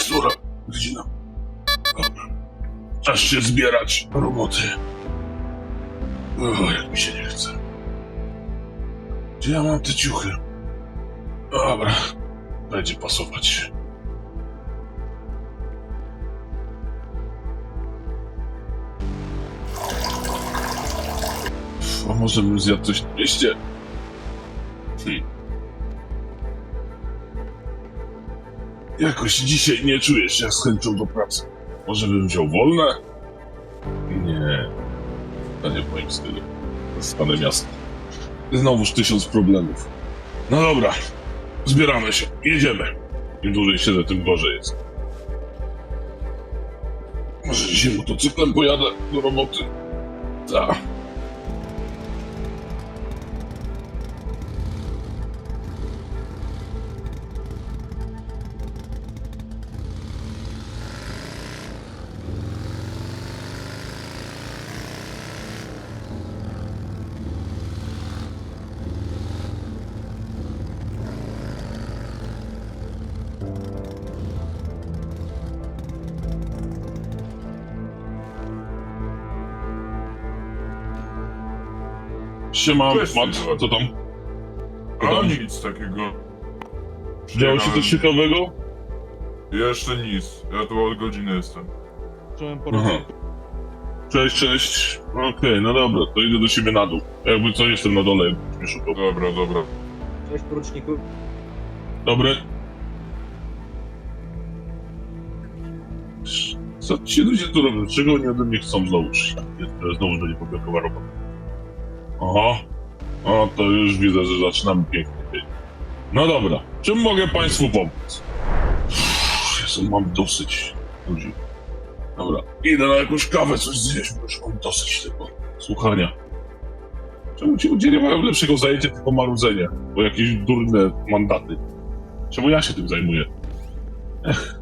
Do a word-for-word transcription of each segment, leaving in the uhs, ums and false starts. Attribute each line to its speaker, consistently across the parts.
Speaker 1: Która godzina? Dobra. Czas się zbierać do roboty. O, jak mi się nie chce. Gdzie ja mam te ciuchy? Dobra, będzie pasować. A może bym zjadł coś na mieście? Hmm. Jakoś dzisiaj nie czuję się z chęcią do pracy. Może bym wziął wolne? Nie. To nie w moim stylu. Zostanę miasto. Znowuż tysiąc problemów. No dobra. Zbieramy się. Jedziemy. Im dłużej siedzę, tym gorzej jest. Może dzisiaj motocyklem pojadę do roboty? Tak. Siema,
Speaker 2: Cześć,
Speaker 1: Mat, co tam? Co
Speaker 2: A
Speaker 1: tam?
Speaker 2: nic takiego.
Speaker 1: Działo się coś ciekawego?
Speaker 2: Jeszcze nic. Ja tu od godziny jestem.
Speaker 3: Czułem
Speaker 1: Aha.
Speaker 3: porozumie.
Speaker 1: Cześć, cześć. Okej, no dobra, to idę do siebie na dół. Jakby co, jestem na dole, jakbyś mnie szukał.
Speaker 2: Dobra, dobra.
Speaker 3: Cześć poruczniku.
Speaker 1: Dobry. Co ci ludzie tu robią? Czego oni ode mnie chcą znowuż? To znowu będzie powiatowa robota. Aha. O, to już widzę, że zaczynamy pięknie. No dobra, czym mogę państwu pomóc? Uff, Jezu, mam dosyć ludzi. Dobra, idę na jakąś kawę, coś zjeść, bo już mam dosyć tego słuchania. Czemu ci ludzie nie mają lepszego zajęcia, tylko marudzenie? Bo jakieś durne mandaty. Czemu ja się tym zajmuję? Ech.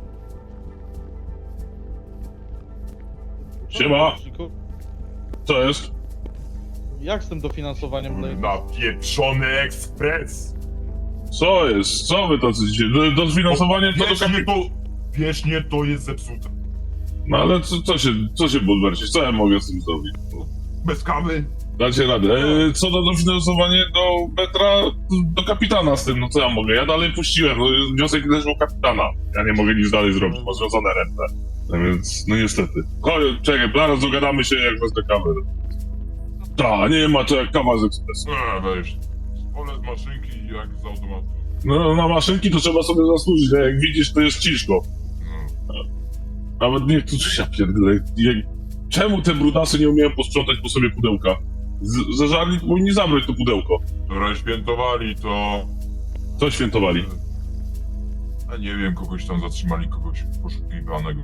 Speaker 1: Siema.
Speaker 3: Poruczniku.
Speaker 1: Co jest?
Speaker 3: Jak z tym dofinansowaniem dla
Speaker 2: Napieprzony ekspres!
Speaker 1: Co jest? Co wy tacy dzisiaj? Do, do sfinansowania to do
Speaker 2: Wiecznie
Speaker 1: kapi...
Speaker 2: to... Wiecznie to jest zepsute.
Speaker 1: No ale co, co się, co się Bulwercie? Co ja mogę z tym zrobić?
Speaker 2: Bez kawy?
Speaker 1: Dacie radę. E, co do dofinansowania do metra, do kapitana z tym, no co ja mogę? Ja dalej puściłem, no, wniosek leży u kapitana. Ja nie mogę nic dalej zrobić, ma związane ręce. No więc, no niestety. Chodź, czekaj, zaraz dogadamy się jak wezmę kawę. Ta, nie ma to jak kawa z ekspresu.
Speaker 2: Eee, weź. Olej z maszynki jak z automatu.
Speaker 1: No na maszynki to trzeba sobie zasłużyć, a jak widzisz to jest ciężko.
Speaker 2: No.
Speaker 1: Nawet nie, tu się pierdolę. Jak... Czemu te brudasy nie umieją posprzątać po sobie pudełka? Z- Zażarli powinni zabrać to pudełko.
Speaker 2: Wczoraj świętowali to...
Speaker 1: Co świętowali?
Speaker 2: A nie wiem, kogoś tam zatrzymali, kogoś poszukiwanego.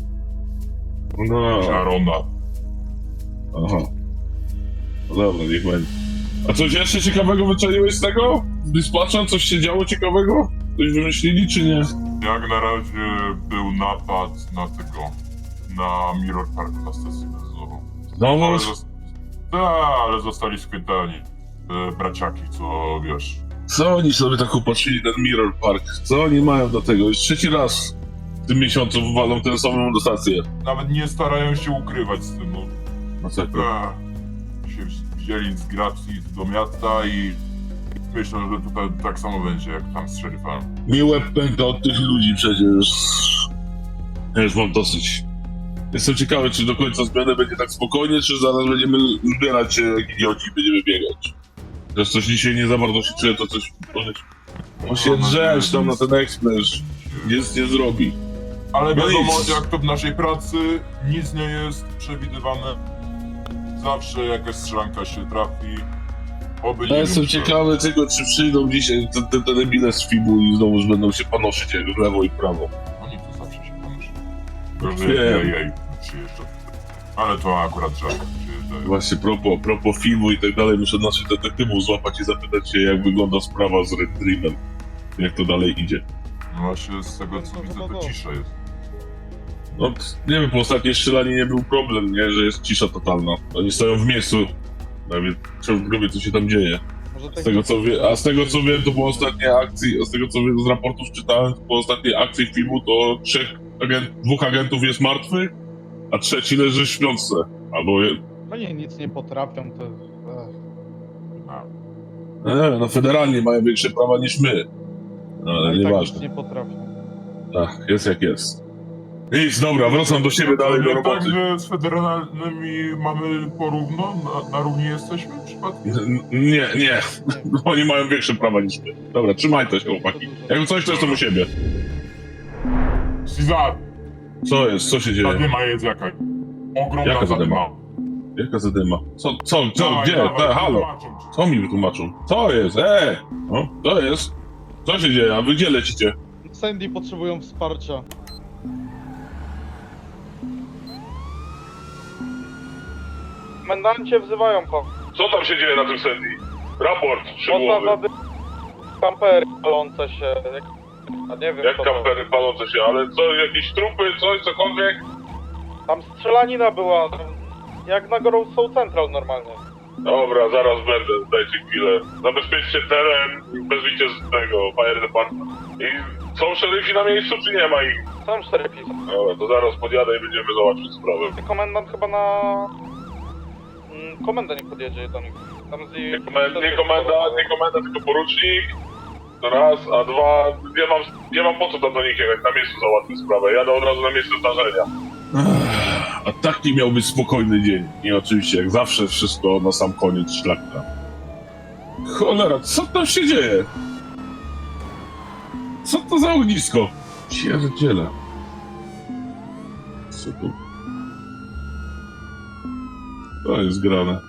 Speaker 1: No,
Speaker 2: Szarona.
Speaker 1: aha. No dobra, niech będzie. A coś jeszcze ciekawego wyczaiłeś z tego? Dispatcha? Coś się działo ciekawego? Coś wymyślili, czy nie?
Speaker 2: Jak na razie był napad na tego... na Mirror Park na stacji benzynową.
Speaker 1: No,
Speaker 2: Ale,
Speaker 1: no,
Speaker 2: zos- Ta, ale zostali schwytani e, braciaki, co wiesz.
Speaker 1: co oni sobie tak upatrzyli ten Mirror Park? Co oni mają do tego? Już trzeci raz w tym miesiącu walą tę samą dotację.
Speaker 2: Nawet nie starają się ukrywać z tym, no.
Speaker 1: No co to?
Speaker 2: Ta, się wzięli z gracji do miasta i myślę, że tutaj tak samo będzie jak tam z szeryfem.
Speaker 1: Mi łeb pęka od tych ludzi przecież. Ja już mam dosyć. Jestem ciekawy, czy do końca zmiany będzie tak spokojnie, czy zaraz będziemy zbierać się jak idioci i będziemy biegać. Też coś dzisiaj nie za bardzo się czuję, to coś... On się drzesz tam na ten ekspres, nic nie zrobi.
Speaker 2: Ale
Speaker 1: No
Speaker 2: wiadomo,
Speaker 1: nic.
Speaker 2: jak to w naszej pracy, nic nie jest przewidywane. Zawsze jakaś strzelanka się trafi. Oby
Speaker 1: Ja
Speaker 2: nie
Speaker 1: jestem
Speaker 2: wiem, czy-
Speaker 1: ciekawy tylko, czy przyjdą dzisiaj te, te, te debile z Fibu i znowuż będą się panoszyć jak w lewo i w prawo.
Speaker 2: Oni tu zawsze się ponoszą. Tylko, że
Speaker 1: Wiem.
Speaker 2: jej, jej przyjeżdża. Ale to akurat rzadko przyjeżdżają.
Speaker 1: Właśnie propos, propos filmu i tak dalej, muszę naszych detektywów złapać i zapytać się, jak wygląda sprawa z Red Dreamem. Jak to dalej idzie.
Speaker 2: No właśnie z tego co widzę, to cisza jest.
Speaker 1: No, nie wiem, po ostatniej strzelaninie nie był problem, nie? Że jest cisza totalna. Oni stoją w miejscu. Nawet trzeba w grubie, co się tam dzieje.
Speaker 3: Może
Speaker 1: Z tego co wie, a z tego co wiem, to po ostatniej akcji, a z tego co wiem z raportów czytałem, to po ostatniej akcji filmu to trzech agent, dwóch agentów jest martwych, a trzeci leży w śpiączce. Albo... Je...
Speaker 3: Oni nic nie potrafią, to... Ech.
Speaker 1: E, no federalnie mają większe prawa niż my. No,
Speaker 3: No
Speaker 1: ale
Speaker 3: i tak nic
Speaker 1: nieważne.
Speaker 3: nie potrafią.
Speaker 1: Tak, jest jak jest. Nic, dobra, wracam do siebie dalej do
Speaker 2: Nie tak,
Speaker 1: roboty.
Speaker 2: że z federalnymi mamy porówno? Na, na równi jesteśmy przypadkiem?
Speaker 1: N- Nie, nie. Oni mają większe prawa niż my. Dobra, trzymaj się, chłopaki. Jakby coś, to jestem u siebie.
Speaker 2: Cezar,
Speaker 1: Co jest? Co się dzieje?
Speaker 2: zadyma jest jakaś. Ogromna
Speaker 1: Jaka zadyma?
Speaker 2: zadyma.
Speaker 1: Jaka zadyma? Co, co, co,
Speaker 2: Dawaj,
Speaker 1: gdzie?
Speaker 2: dawaj,
Speaker 1: Te, halo?
Speaker 2: wytłumaczę ci.
Speaker 1: Co mi wytłumaczą? Co jest? E! No, co jest? Co się dzieje? A wy gdzie lecicie?
Speaker 3: Sandy potrzebują wsparcia. Komendancie wzywają pan.
Speaker 1: Co tam się dzieje na tym Sandy? Raport,
Speaker 3: Można zady... kampery palące się. Jak... A nie wiem
Speaker 1: Jak
Speaker 3: co to.
Speaker 1: kampery palące się, ale co, jakieś trupy, coś, cokolwiek?
Speaker 3: Tam strzelanina była. Tam... Jak na Gorą Soul Central normalnie.
Speaker 1: Dobra, zaraz będę, dajcie chwilę. Zabezpieczcie teren i wezwijcie z tego Fire Department. I są szeryfi na miejscu, czy nie ma ich?
Speaker 3: Są cztery pisy.
Speaker 1: Dobra, to zaraz podjadę i będziemy załatwić sprawę.
Speaker 3: Komendant chyba na... Mm, komenda nie podjedzie do nich. Tam z...
Speaker 1: Nie komenda, nie komenda, nie komenda, tylko porucznik. To raz, a dwa, nie mam, nie mam po co tam do nich jechać, na miejscu załatwię sprawę. Jadę od razu na miejsce zdarzenia. A taki miał być spokojny dzień. I oczywiście, jak zawsze, wszystko na sam koniec szlaka. Cholera, co tam się dzieje? Co to za ognisko? Pierdziele. Co tu? To jest grane.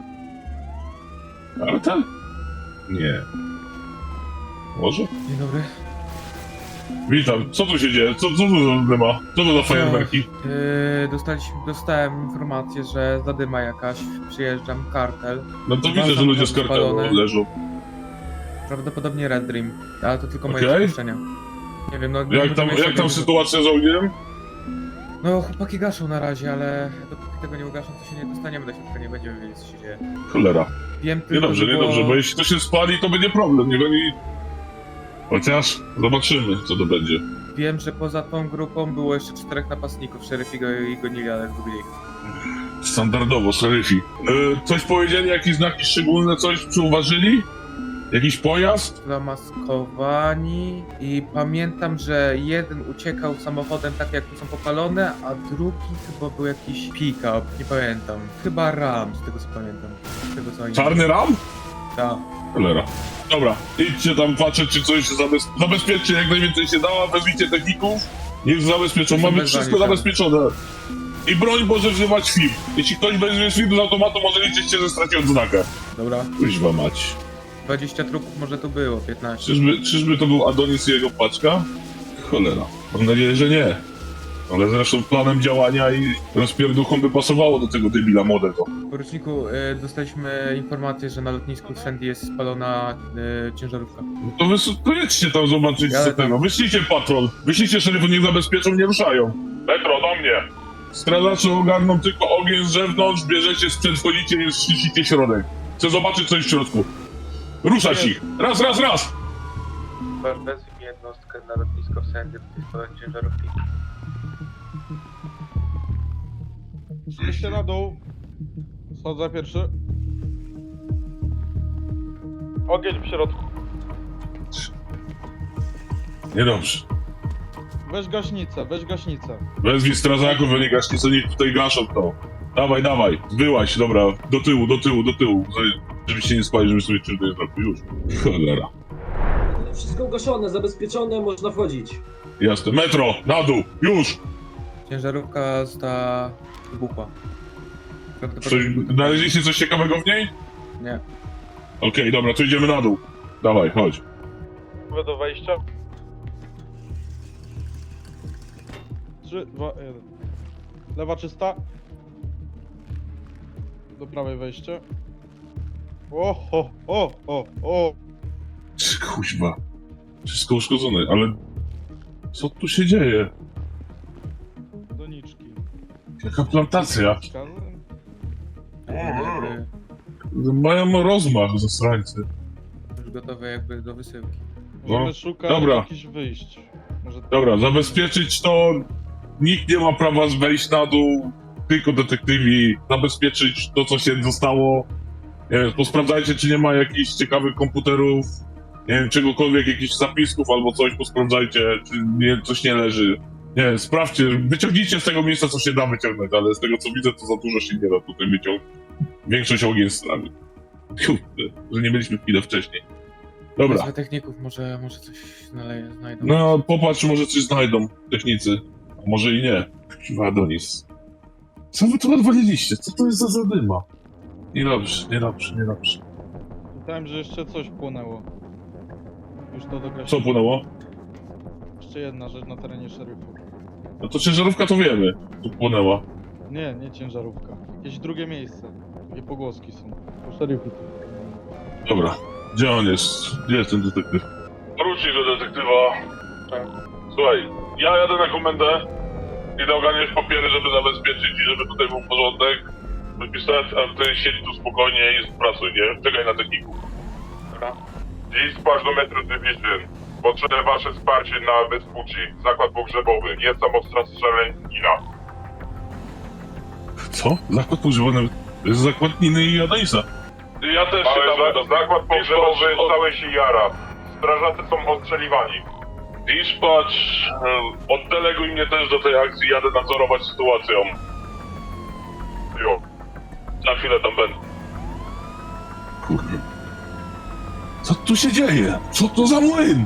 Speaker 1: Ale ten? Nie. Może?
Speaker 4: Dzień dobry.
Speaker 1: Witam, co tu się dzieje? Co, co tu za dyma? Co to za fajerwerki?
Speaker 4: Yy, dostaliśmy, dostałem informację, że zadyma jakaś, przyjeżdżam, kartel.
Speaker 1: No to
Speaker 4: Dwa
Speaker 1: widzę, że ludzie z
Speaker 4: samochody
Speaker 1: kartelu
Speaker 4: spalone.
Speaker 1: leżą.
Speaker 4: Prawdopodobnie Red Dream, ale to tylko moje
Speaker 1: Okej.
Speaker 4: przypuszczenia. Nie wiem, no... nie
Speaker 1: Jak tam,
Speaker 4: możemy jeszcze
Speaker 1: jak tam
Speaker 4: wiedzieć.
Speaker 1: sytuacja z ogniem?
Speaker 4: No chłopaki gaszą na razie, ale dopóki tego nie ugaszą, to się nie dostaniemy do środka, nie będziemy wiedzieć co się dzieje.
Speaker 1: Cholera.
Speaker 4: Wiem tylko,
Speaker 1: Niedobrze,
Speaker 4: że było...
Speaker 1: niedobrze, bo jeśli to się spali, to będzie problem, niech oni... Chociaż zobaczymy, co to będzie.
Speaker 4: Wiem, że poza tą grupą było jeszcze czterech napastników, szeryfi go i gonili, ale zgubili ich.
Speaker 1: Standardowo, szeryfi. Yy, coś powiedzieli, jakieś znaki szczególne, coś przyuważyli? Jakiś pojazd?
Speaker 4: Zamaskowani i pamiętam, że jeden uciekał samochodem tak jak tu są popalone, a drugi chyba był jakiś pick-up, nie pamiętam. Chyba Ram, z tego co pamiętam. Z tego co oni...
Speaker 1: Czarny ram?
Speaker 4: Tak.
Speaker 1: Cholera. Dobra, idźcie tam patrzeć, czy coś się zabez... zabezpieczcie jak najwięcej się da, wezwijcie techników, niech zabezpieczą, mamy
Speaker 4: Wezwanie
Speaker 1: wszystko
Speaker 4: tam.
Speaker 1: zabezpieczone. I broń może wzywać film. Jeśli ktoś weźmie film z automatu, może liczyć się, że straci odznakę.
Speaker 4: Dobra.
Speaker 1: Kuźwa mać.
Speaker 4: dwadzieścia trupów może tu było, piętnaście.
Speaker 1: Czyżby, czyżby to był Adonis i jego paczka? Cholera. Mam nadzieję, że nie. Ale zresztą planem działania i rozpierduchom by pasowało do tego debila młodego.
Speaker 4: Poruczniku, y, dostaliśmy informację, że na lotnisku Sandy jest spalona y, ciężarówka.
Speaker 1: No to wy to jedźcie tam zobaczyć
Speaker 4: Ja
Speaker 1: co
Speaker 4: tam-
Speaker 1: tego. Wyślijcie patrol. Wyślijcie szeryfów, niech zabezpieczą, nie ruszają. Metro, do mnie. Strażacze ogarną tylko ogień z zewnątrz, bierzecie sprzęt, wchodzicie i szczycicie środek. Chcę zobaczyć coś w środku. Ruszać ich. Raz, raz, raz.
Speaker 4: Wezwij mi jednostkę na lotnisko w Sandy, to jest spalona ciężarówki.
Speaker 3: Idźcie na dół. Schodzę pierwszy. Ogień w środku.
Speaker 1: Niedobrze.
Speaker 3: Weź gaśnicę, weź gaśnicę.
Speaker 1: Wezwij strażaków, oni gaśnicy, niech tutaj gaszą to. Dawaj, dawaj, wyłaź, dobra, do tyłu, do tyłu, do tyłu. Żebyście nie spali, żeby sobie czym to jest zrobił. Już. Cholera.
Speaker 5: Wszystko ugaszone, zabezpieczone, można wchodzić.
Speaker 1: Jasne. Metro, na dół, już!
Speaker 4: Ciężarówka została wybuchła.
Speaker 1: Coś,
Speaker 4: Prawdopodobnie...
Speaker 1: znaleźliście coś ciekawego w niej?
Speaker 4: Nie.
Speaker 1: Okej, dobra, to idziemy na dół. Dawaj, chodź.
Speaker 3: Gotowe do wejścia. trzy, dwa, jeden. Lewa czysta. Do prawej wejście. O, o, o, o, o.
Speaker 1: Kuźwa. Wszystko uszkodzone, ale... Co tu się dzieje?
Speaker 3: Doniczki.
Speaker 1: Jaka plantacja?
Speaker 4: Jakby
Speaker 1: Mają rozmach, zasrańcy.
Speaker 4: już gotowe jakby do wysyłki.
Speaker 3: Możemy
Speaker 1: No,
Speaker 3: szukać
Speaker 1: dobra.
Speaker 3: jakichś wyjść. Może...
Speaker 1: Dobra, zabezpieczyć to nikt nie ma prawa wejść na dół, tylko detektywi, zabezpieczyć to, co się zostało. Nie wiem, posprawdzajcie, czy nie ma jakichś ciekawych komputerów, nie wiem, czegokolwiek, jakichś zapisków albo coś, posprawdzajcie, czy nie, coś nie leży. Nie wiem, sprawdźcie, wyciągnijcie z tego miejsca, co się da wyciągnąć, ale z tego, co widzę, to za dużo się nie da tutaj wyciągnąć. Większość ogień z nami. Kurde, że nie byliśmy chwilę wcześniej. Dobra.
Speaker 4: Wezmę techników, może, może coś znaleję, znajdą.
Speaker 1: No, popatrz, może coś znajdą technicy. A może i nie. Chyba Adonis. Co wy tu odwaliliście? Co to jest za zadyma? Niedobrze, niedobrze, niedobrze.
Speaker 6: Pytałem, że jeszcze coś płonęło. Już to dogra.
Speaker 1: Co płynęło?
Speaker 6: Jeszcze jedna rzecz na terenie szeryfu.
Speaker 1: No to ciężarówka to wiemy, tu płynęła.
Speaker 6: Nie, nie ciężarówka. Jakieś drugie miejsce. Takie pogłoski są. Po szeryfu.
Speaker 1: Dobra, gdzie on jest? Gdzie jest ten detektyw? Wróci do detektywa.
Speaker 3: Tak.
Speaker 1: Słuchaj, ja jadę na komendę. Idę ogarniać papiery, żeby zabezpieczyć i żeby tutaj był porządek. Wypisać, a ty siedzi tu spokojnie i pracuj, nie? Czekaj na techników.
Speaker 3: Dobra.
Speaker 2: Dispatch do Metro Division. Potrzebne wasze wsparcie na Vespucci. Zakład pogrzebowy. Jest tam ostra strzelanina.
Speaker 1: Co? Zakład pogrzebowy? To jest zakład Niny i Adonisa. Ja też
Speaker 2: Ale za, zakład pogrzebowy
Speaker 1: Dispatch,
Speaker 2: cały się jara. Strażacy są ostrzeliwani.
Speaker 1: Dispatch, e, oddeleguj mnie też do tej akcji, jadę nadzorować sytuacją.
Speaker 2: Jo.
Speaker 1: Za chwilę tam będę. Kurde. Co tu się dzieje? Co to za młyn?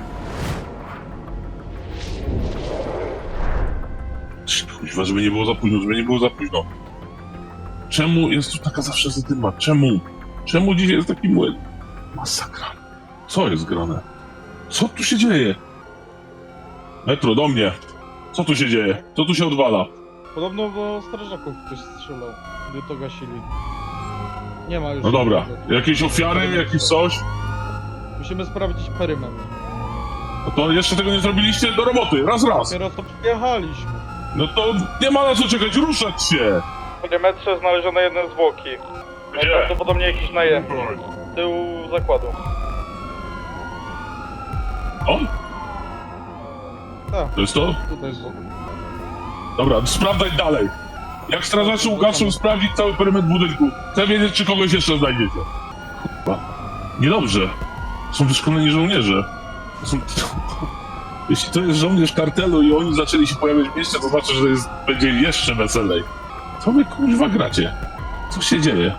Speaker 1: Kuźwa, żeby nie było za późno, żeby nie było za późno. Czemu jest tu taka zawsze zadyma? Czemu? Czemu dzisiaj jest taki młyn? Masakra. Co jest grane? Co tu się dzieje? Metro, do mnie. Co tu się dzieje? Co tu się odwala?
Speaker 6: Podobno do strażaków ktoś strzelał, gdy to gasili. Nie ma już.
Speaker 1: No dobra.
Speaker 6: żadnego.
Speaker 1: Jakieś ofiary, jakieś coś?
Speaker 6: Musimy sprawdzić perymetr.
Speaker 1: No to jeszcze tego nie zrobiliście? Do roboty, raz, raz.
Speaker 6: Dopiero to przyjechaliśmy.
Speaker 1: No to nie ma na co czekać, ruszać się!
Speaker 3: W perimetrze znaleziono jedne zwłoki.
Speaker 1: Gdzie?
Speaker 3: Najprawdopodobniej jakiś najemny. Z tyłu zakładu.
Speaker 1: On?
Speaker 6: Tak,
Speaker 1: To jest to?
Speaker 6: tutaj z boku.
Speaker 1: Dobra, sprawdzaj dalej. Jak strażacy ukażą sprawdzić cały perymetr budynku. Chcę wiedzieć, czy kogoś jeszcze znajdziecie. Kurwa. Niedobrze. Są wyszkoleni żołnierze. To są... Jeśli to jest żołnierz kartelu i oni zaczęli się pojawiać w mieście, to znaczy, że jest, będzie jeszcze weselej. Co wy kurwa gracie? Co się dzieje?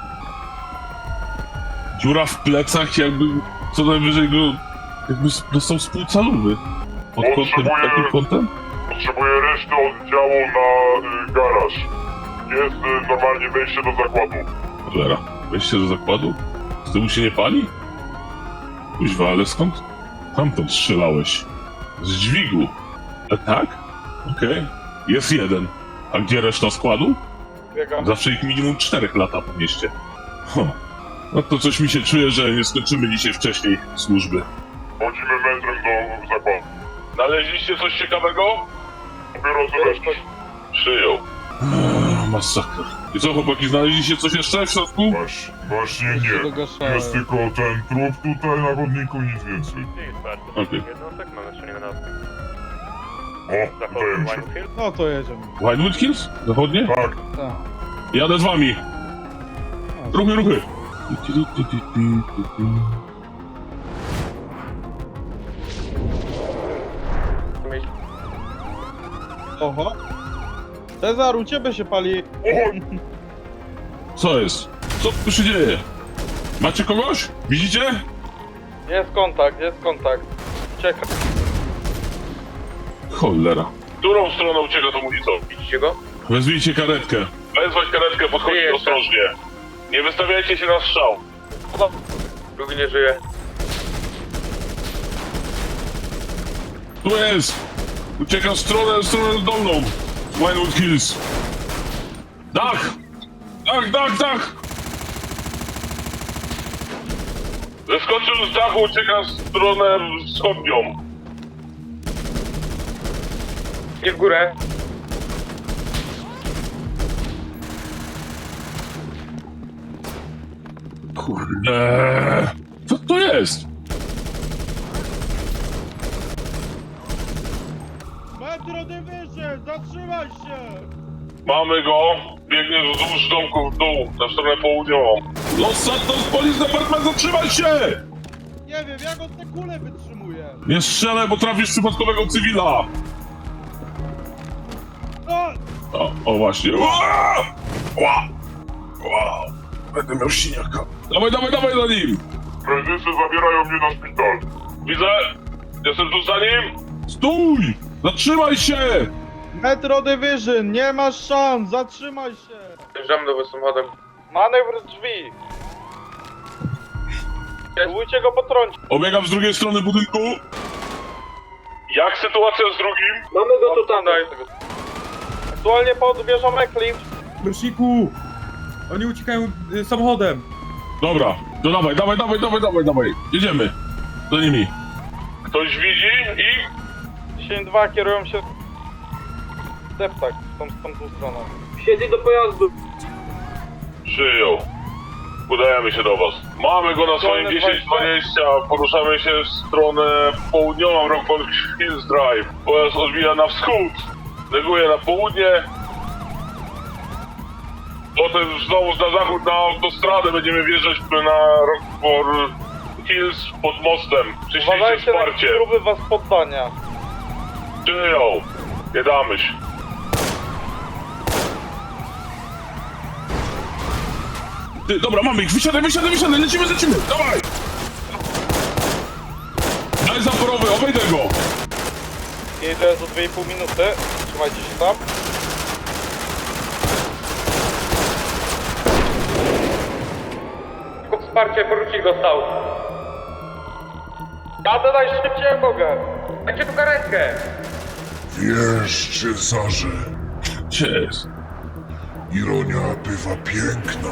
Speaker 1: Dziura w plecach, jakby co najwyżej go... jakby dostał spółcalowy. Pod kątem,
Speaker 2: Potrzebuję-
Speaker 1: takim kątem?
Speaker 2: Potrzebuję reszty oddziału na y, garaż. Jest y, normalnie wejście do zakładu.
Speaker 1: Cholera, wejście do zakładu? Z tyłu się nie pali? Kuźwa, ale skąd? Tamtąd strzelałeś. Z dźwigu. A tak? Okej. Jest jeden. A gdzie reszta składu?
Speaker 3: Biegam.
Speaker 1: Zawsze ich minimum czterech lata po mieście. Huh. No to coś mi się czuje, że nie skończymy dzisiaj wcześniej służby.
Speaker 2: Chodzimy metrem do zakładu.
Speaker 1: Znaleźliście coś ciekawego?
Speaker 2: Dopiero co weszliśmy.
Speaker 1: Przyjął. Eee, masakra. I co, chłopaki, znaleźliście coś jeszcze w środku?
Speaker 2: Właśnie, właśnie
Speaker 6: Już się
Speaker 2: nie.
Speaker 6: dogaszałem.
Speaker 2: Jest tylko ten trup tutaj na chodniku, nic więcej.
Speaker 1: Okej.
Speaker 7: Jednostek mamy jeszcze nie na
Speaker 2: O, wydaje mi się.
Speaker 6: No to jedziemy.
Speaker 1: Winewood Hills? Zachodnie?
Speaker 2: Tak,
Speaker 6: Tak.
Speaker 1: Jadę z wami.
Speaker 6: A,
Speaker 1: Ruchy, ruchy.
Speaker 6: Oho. Cezar, u ciebie się pali.
Speaker 1: Co jest? Co tu się dzieje? Macie kogoś? Widzicie?
Speaker 3: Jest kontakt, jest kontakt. Ucieka.
Speaker 1: Cholera. Którą stroną ucieka tą ulicą?
Speaker 7: Widzicie go?
Speaker 1: Wezwijcie karetkę. Wezwać karetkę, podchodźcie
Speaker 7: Jeszcze.
Speaker 1: ostrożnie. Nie wystawiajcie się na strzał.
Speaker 7: Drugi nie żyje.
Speaker 1: Tu jest! Ucieka w stronę, w stronę dolną. Winewood Hills. Dach! Dach, dach, dach! Zeskoczył z dachu, ucieka w stronę wschodnią.
Speaker 7: Nie w górę.
Speaker 1: Kurde. Co to jest?
Speaker 6: Metro Division, zatrzymaj się!
Speaker 1: Mamy go! Biegnie wzdłuż domku w dół, na stronę południową. Los Santos Police Department, zatrzymaj się!
Speaker 6: Nie wiem, jak on te kule wytrzymuje.
Speaker 1: Nie strzelaj, bo trafisz przypadkowego cywila!
Speaker 6: O!
Speaker 1: O, o właśnie. Ła! Ła! Ła! Będę miał siniaka. Dawaj, dawaj, dawaj za nim!
Speaker 2: Prezesy zabierają mnie na szpital.
Speaker 1: Widzę! Jestem tu za nim! Stój! Zatrzymaj się!
Speaker 6: Metro Division, nie masz szans, zatrzymaj się!
Speaker 7: Wjeżdżamy do was samochodem.
Speaker 3: Manewr drzwi. Próbujcie go potrącić.
Speaker 1: Obiegam z drugiej strony budynku. Jak sytuacja z drugim?
Speaker 5: Mamy go tutaj.
Speaker 3: Aktualnie pod wieżą Eclipse.
Speaker 4: Prosiku! Oni uciekają y, samochodem.
Speaker 1: Dobra, to dawaj, dawaj, dawaj, dawaj, dawaj, dawaj. Jedziemy. Za nimi. Ktoś widzi i...
Speaker 3: dziesięć dwa kierują się w deptak, w tą, w tą, tą stronę.
Speaker 5: Wsiedli do pojazdu.
Speaker 1: Przyjął. Udajemy się do was. Mamy go na swoim
Speaker 3: Dolny
Speaker 1: dziesięć dwadzieścia. Poruszamy się w stronę południową, Rockford Hills Drive. Pojazd odbija na wschód. Neguje na południe. Potem znowu na zachód, na autostradę będziemy wjeżdżać na Rockford Hills pod mostem. Przyślijcie
Speaker 3: Uważajcie na
Speaker 1: wsparcie.
Speaker 3: próby was poddania.
Speaker 1: Przyjął. Nie damy się. Ty, dobra, mamy ich. Wysiadaj, wysiadaj, wysiadaj. Lecimy, lecimy. Dawaj. Daj zaporowy, obejdę go.
Speaker 3: Jedę za dwie i pół minuty. Trzymajcie się tam.
Speaker 7: Tylko wsparcie, porucznik dostał.
Speaker 3: Jadę najszybciej jak mogę.
Speaker 7: Dajcie tu karetkę.
Speaker 8: Wiesz, Cezarze,
Speaker 1: Gdzie jest?
Speaker 8: ironia bywa piękna.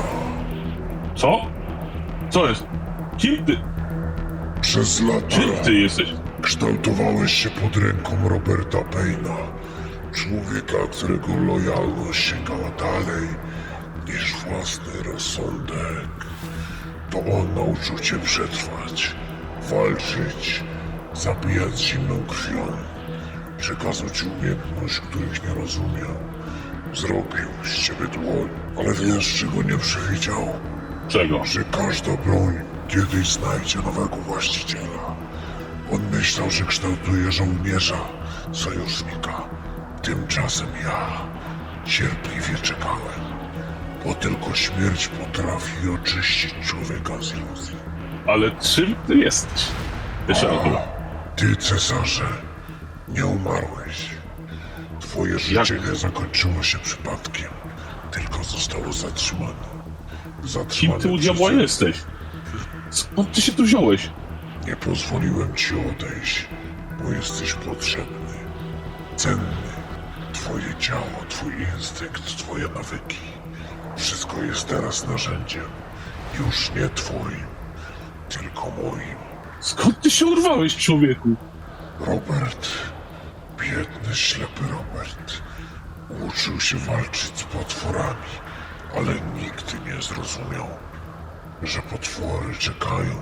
Speaker 1: Co? Co jest? Kim ty?
Speaker 8: Przez lata
Speaker 1: Kim ty jesteś?
Speaker 8: kształtowałeś się pod ręką Roberta Payna, człowieka, którego lojalność sięgała dalej niż własny rozsądek. To on nauczył cię przetrwać, walczyć, zabijać zimną krwią. Przekazał ci umiejętność, których nie rozumiał. Zrobił z ciebie dłoń, ale wiesz, czego nie przewidział?
Speaker 1: Czego?
Speaker 8: Że każda broń kiedyś znajdzie nowego właściciela. On myślał, że kształtuje żołnierza, sojusznika. Tymczasem ja cierpliwie czekałem, bo tylko śmierć potrafi oczyścić człowieka z iluzji.
Speaker 1: Ale czym ty jesteś? Jeszcze raz, dobra.
Speaker 8: Ty, Cezarze, nie umarłeś. Twoje życie nie zakończyło się przypadkiem, tylko zostało zatrzymane.
Speaker 1: Kim
Speaker 8: Zatrzymane
Speaker 1: ty u diabła
Speaker 8: przeze-
Speaker 1: jesteś? Skąd ty się tu wziąłeś?
Speaker 8: Nie pozwoliłem ci odejść, bo jesteś potrzebny, cenny. Twoje ciało, twój instynkt, twoje nawyki. Wszystko jest teraz narzędziem. Już nie twoim, tylko moim.
Speaker 1: Skąd ty się urwałeś, człowieku?
Speaker 8: Robert, biedny, ślepy Robert, uczył się walczyć z potworami, ale nigdy nie zrozumiał, że potwory czekają,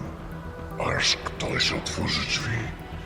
Speaker 8: aż ktoś otworzy drzwi.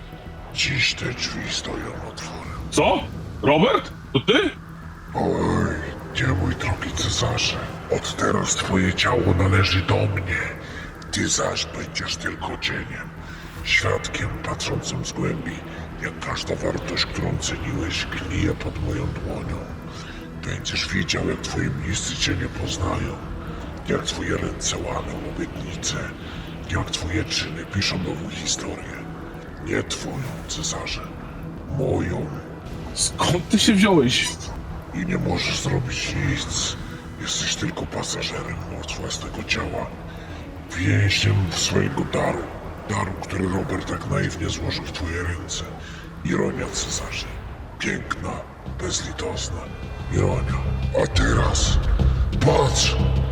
Speaker 8: Dziś te drzwi stoją otworem.
Speaker 1: Co? Robert? To ty?
Speaker 8: Oj, nie mój drogi Cezarze, od teraz twoje ciało należy do mnie. Ty zaś będziesz tylko cieniem, świadkiem patrzącym z głębi, jak każda wartość, którą ceniłeś, gnije pod moją dłonią. Będziesz widział, jak twoi bliscy cię nie poznają, jak twoje ręce łamią obietnice, jak twoje czyny piszą nową historię. Nie twoją, Cezarze, moją.
Speaker 1: Skąd ty się wziąłeś?
Speaker 8: I nie możesz zrobić nic. Jesteś tylko pasażerem moc własnego ciała. Więźniem swojego daru. Daru, który Robert tak naiwnie złożył w twoje ręce. Ironia, Cezarze. Piękna, bezlitosna. Ironia. A teraz... patrz!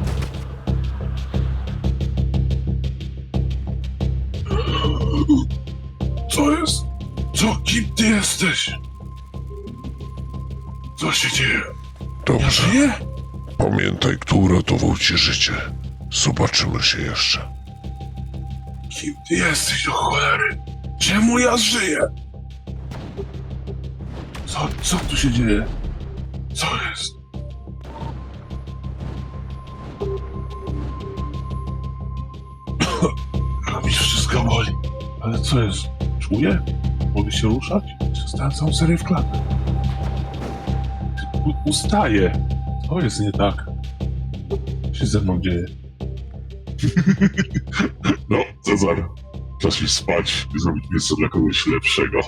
Speaker 1: Co jest? Co? Kim ty jesteś? Co się dzieje?
Speaker 8: Dobrze.
Speaker 1: Żyję?
Speaker 8: Pamiętaj, kto uratował ci życie. Zobaczymy się jeszcze.
Speaker 1: Kim ty jesteś, do cholery? Czemu ja żyję? Co, co tu się dzieje? Co jest? Mi wszystko boli. Ale co jest? Czuję? Mogę się ruszać? Zostałem całą serię w klatę. U- ustaję. Co jest nie tak? Co się ze mną dzieje?
Speaker 8: No, Cezar, czas iść spać i zrobić miejsce dla kogoś lepszego.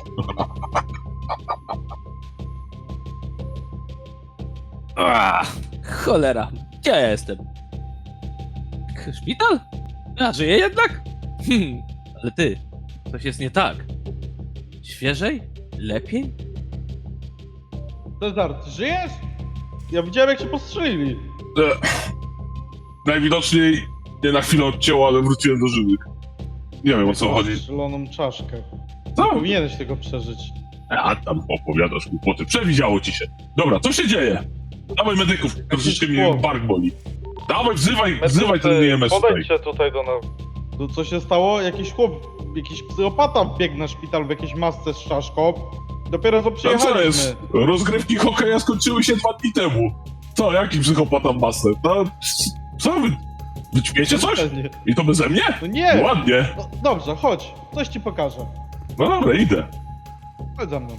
Speaker 9: A, cholera, gdzie ja jestem? Szpital? A, żyję jednak? Hmm, ale ty, coś jest nie tak. Świeżej? Lepiej?
Speaker 6: Cezar, ty żyjesz? Ja widziałem jak się postrzelili.
Speaker 1: E, najwidoczniej nie na chwilę odcięło, ale wróciłem do żywych. Nie wiem o co chodzi.
Speaker 6: Strzeloną czaszkę.
Speaker 1: Co?
Speaker 6: Nie powinieneś tego przeżyć.
Speaker 1: A tam opowiadasz głupoty. Przewidziało ci się. Dobra, co się dzieje? Dawaj medyków, troszeczkę mnie
Speaker 6: chłop.
Speaker 1: bark boli. Dawaj, wzywaj, wzywaj ten E M S tutaj.
Speaker 3: Podejdźcie tutaj do nas.
Speaker 6: To co się stało? Jakiś chłop, jakiś psychopata wbiegł na szpital w jakiejś masce z czaszką. Dopiero co
Speaker 1: No co
Speaker 6: przyjechaliśmy.
Speaker 1: jest? Rozgrywki hokeja skończyły się dwa dni temu. Co, jaki psychopata masę? No, co wy? Wyćmiecie coś?
Speaker 6: Nie.
Speaker 1: I to beze mnie?
Speaker 6: No nie!
Speaker 1: Ładnie.
Speaker 6: No, dobrze, chodź. Coś ci pokażę.
Speaker 1: No dobra, idę.
Speaker 6: Chodź za mną.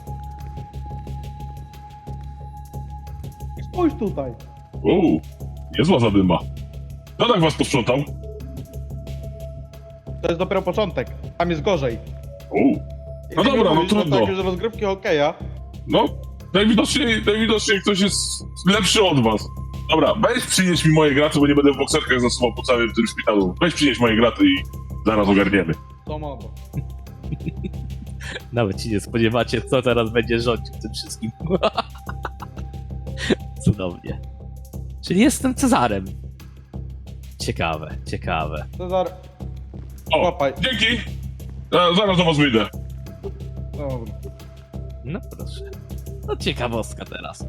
Speaker 6: Spójrz tutaj.
Speaker 1: Uuu, niezła zadyma. Kto tak was posprzątał?
Speaker 6: To jest dopiero początek. Tam jest gorzej.
Speaker 1: Uuu, no dobra, no
Speaker 6: Mówisz, że
Speaker 1: trudno.
Speaker 6: Takie, że rozgrywki hokeja.
Speaker 1: No, najwidoczniej, najwidoczniej ktoś jest lepszy od was. Dobra, weź przynieś mi moje graty, bo nie będę w bokserkach zasuwał po całym tym szpitalu. Weź przynieś moje graty i zaraz ogarniemy.
Speaker 6: To mogę.
Speaker 9: Nawet się nie spodziewacie, co teraz będzie rządził tym wszystkim. Cudownie. Czyli jestem Cezarem. Ciekawe, ciekawe.
Speaker 6: Cezar,
Speaker 1: O,
Speaker 6: łapaj.
Speaker 1: dzięki. E, zaraz do was wyjdę.
Speaker 6: Dobra.
Speaker 9: No proszę. No ciekawostka teraz.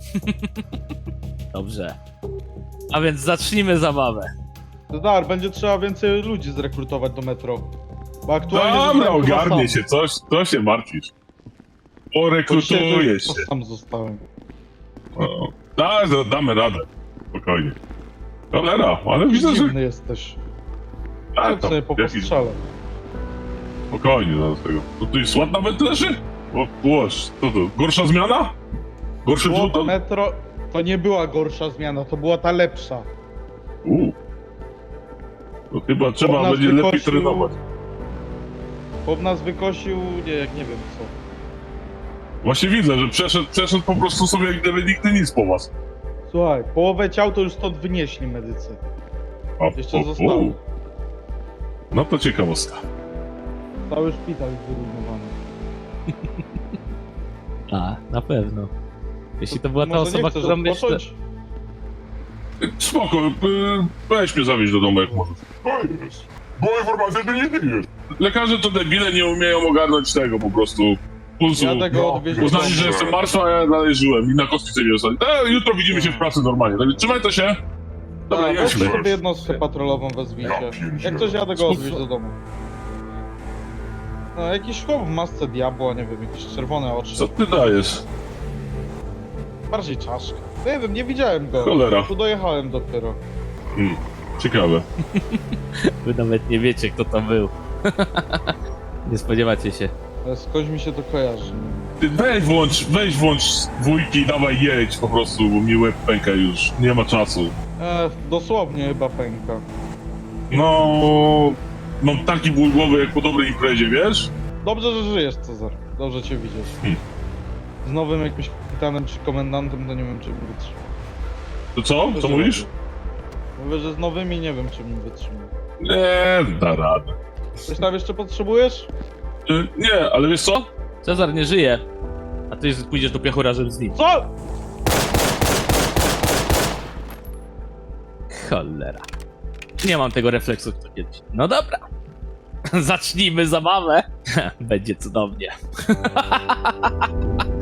Speaker 9: Dobrze. A więc zacznijmy zabawę.
Speaker 6: Cezar, będzie trzeba więcej ludzi zrekrutować do metro. Bo aktualnie
Speaker 1: Dobra,
Speaker 6: zostałem chyba
Speaker 1: ogarnie
Speaker 6: sam.
Speaker 1: się, coś, coś się martwisz. Porekrutujesz
Speaker 6: To
Speaker 1: się.
Speaker 6: sam zostałem.
Speaker 1: O, da, da- damy radę. Spokojnie. Cholera, ale widzę, że...
Speaker 6: Dziwny jesteś.
Speaker 1: A,
Speaker 6: Tak
Speaker 1: to,
Speaker 6: sobie po
Speaker 1: jakiś...
Speaker 6: postrzale.
Speaker 1: Spokojnie, zaraz tego. To tu jest ład nawet leży? O, łoż, co to, gorsza zmiana? Gorszy
Speaker 6: Było
Speaker 1: żółton?
Speaker 6: metro to nie była gorsza zmiana, to była ta lepsza.
Speaker 1: Uuu. To chyba trzeba
Speaker 6: nas
Speaker 1: będzie lepiej
Speaker 6: wykosił-
Speaker 1: trenować.
Speaker 6: Chłop nas wykosił, nie, jak nie wiem co.
Speaker 1: Właśnie widzę, że przeszedł, przeszedł po prostu sobie jak gdyby nigdy nic po was.
Speaker 6: Słuchaj, połowę ciał to już stąd wynieśli medycy.
Speaker 1: A,
Speaker 6: Jeszcze
Speaker 1: u,
Speaker 6: zostało.
Speaker 1: u. No to ciekawostka.
Speaker 6: Cały szpital jest wyrównowany.
Speaker 9: A, na pewno. Jeśli to była ta
Speaker 6: Może
Speaker 9: osoba,
Speaker 6: nie chcesz
Speaker 9: która myślę...
Speaker 6: odpocząć?
Speaker 1: Spoko, y, weź mnie zawieźć do domu jak możesz.
Speaker 8: To jest. Była informacja, że nie żyjesz.
Speaker 1: Lekarze to debile, nie umieją ogarnąć tego po prostu. Pulsu.
Speaker 6: Jadę go odwieźć do
Speaker 1: Uznali,
Speaker 6: domu.
Speaker 1: że jestem martwy, a ja dalej żyłem i na kostce nie zostali. E, jutro widzimy się w pracy normalnie, także trzymaj to się. Dobra,
Speaker 6: A, weź
Speaker 1: jedźmy.
Speaker 6: sobie jednostkę patrolową wezwijcie.
Speaker 8: Ja pierdzielę.
Speaker 6: Jak coś jadę go odwieźć do domu. No, jakiś chłop w masce diabła, nie wiem, jakieś czerwone oczy.
Speaker 1: Co ty dajesz?
Speaker 6: Bardziej czaszka. No nie wiem, nie widziałem go.
Speaker 1: Cholera.
Speaker 6: Tu dojechałem dopiero.
Speaker 1: Hmm, ciekawe.
Speaker 9: Wy nawet nie wiecie, kto to był. Nie spodziewacie się.
Speaker 6: Ale skądś mi się to kojarzy.
Speaker 1: Ty weź włącz, weź włącz dwójki i dawaj jedź po prostu, bo mi łeb pęka już. Nie ma czasu.
Speaker 6: E, dosłownie chyba pęka.
Speaker 1: No, mam taki ból głowy jak po dobrej imprezie, wiesz?
Speaker 6: Dobrze, że żyjesz, Cezar. Dobrze cię widzieć.
Speaker 1: Hmm.
Speaker 6: Z nowym jakimś kapitanem czy komendantem to nie wiem, czy mi wytrzyma.
Speaker 1: To co? Co mówisz?
Speaker 6: Mówię, że z nowymi nie wiem, czy mi wytrzyma.
Speaker 1: Nie, da radę.
Speaker 6: Coś tam jeszcze potrzebujesz?
Speaker 1: Y, Nie, ale wiesz co?
Speaker 9: Cezar nie żyje. A ty pójdziesz do piechura, żeby z nim.
Speaker 6: Co?
Speaker 9: Cholera. Nie mam tego refleksu, co kiedyś. No dobra. Zacznijmy zabawę. Będzie cudownie.